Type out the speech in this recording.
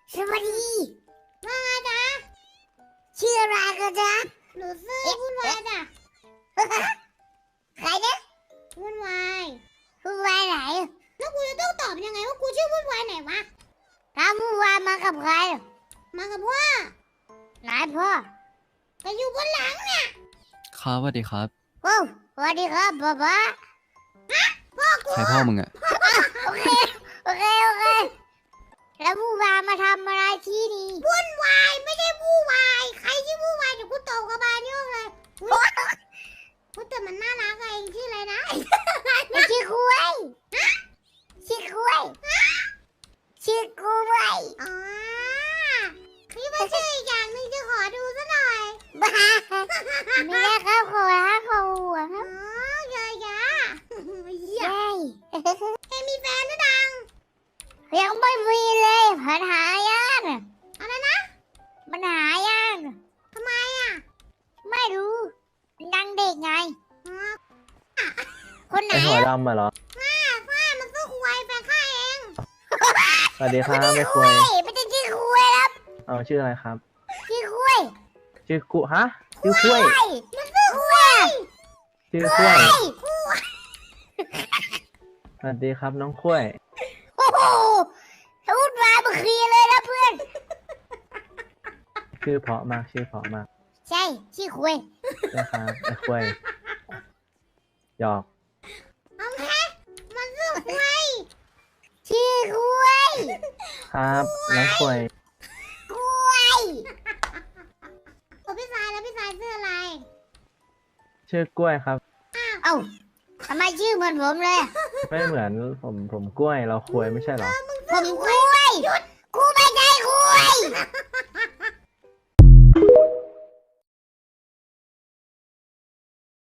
สวัสดีว่าไงจ๊ะชื่ออะไรกันจ๊ะหนูซื้อวุ่นวายจ้ะใครนะวุ่นวายผู้วายไหนแล้วกูจะต้องตอบยังไงว่ากูชื่อวุ่นวายไหนวะถ้าผู้วายมากับใครมากับพ่อไหนพ่อแต่อยู่บนหลังเนี่ยครับสวัสดีครับโอ้สวัสดีครับป๊าป๊าใครพ่อมึงอะโอเคแล้วผู้วายมาทำอะไรที่นี่วุ่นวายไม่ได้วุ่นวายใครชื่อวุ่นวายเดี๋ยวกูตบกระบาลโยกเลยอุ๊ยแต่มันน่ารักอะเองชื่ออะไรนะไม่ชื่อกล้วยชื่อกล้วยชื่อกล้วยอ๋อนี่มันชื่ออีกอย่างหนึ่งจะขอดูซะหน่อยบ้าไม่ได้ครับขอฮักขอหัวคอ๋รัอบเยอะแยะเหี้ยใช่เอ็งมีแฟนหรือดังยังไม่มีเลยปัญหายากอะไรนะปัญหายากทำไมอ่ะไม่รู้ยังเด็กไงอ๋อคนไหนไอหัวอะดำมาเหรอฝ้ามันสู้ควายแฟนข้าเองสวัสดีครับไม่คุยไม่ใช่ชื่อคุยครับเอาชื่ออะไรครับชื่อคุยชื่อกุฮะ ชื่อคุ้ยมันชื่อคุยชื่อคุ้ยสวัสดีครับน้องคุ้ยโอ้โหพูดมาเมื่อกี้เลยนะเพื่อนชื่อเพราะมาก ชื่อเพราะมากใช่ชื่อคุยใช่ครับไอ้คุ้ยหยอกเอาแค่มันสู้ควายชื่อคุยครับน้องคุ้ยคุยตัวพี่สายแล้วพี่สายชื่ออะไรชื่อกล้วยครับเอ้าทำไมชื่อเหมือนผมเลยอะไม่เหมือนผมกล้วยเราคุ้ยไม่ใช่เหรอผมคุยกูไม่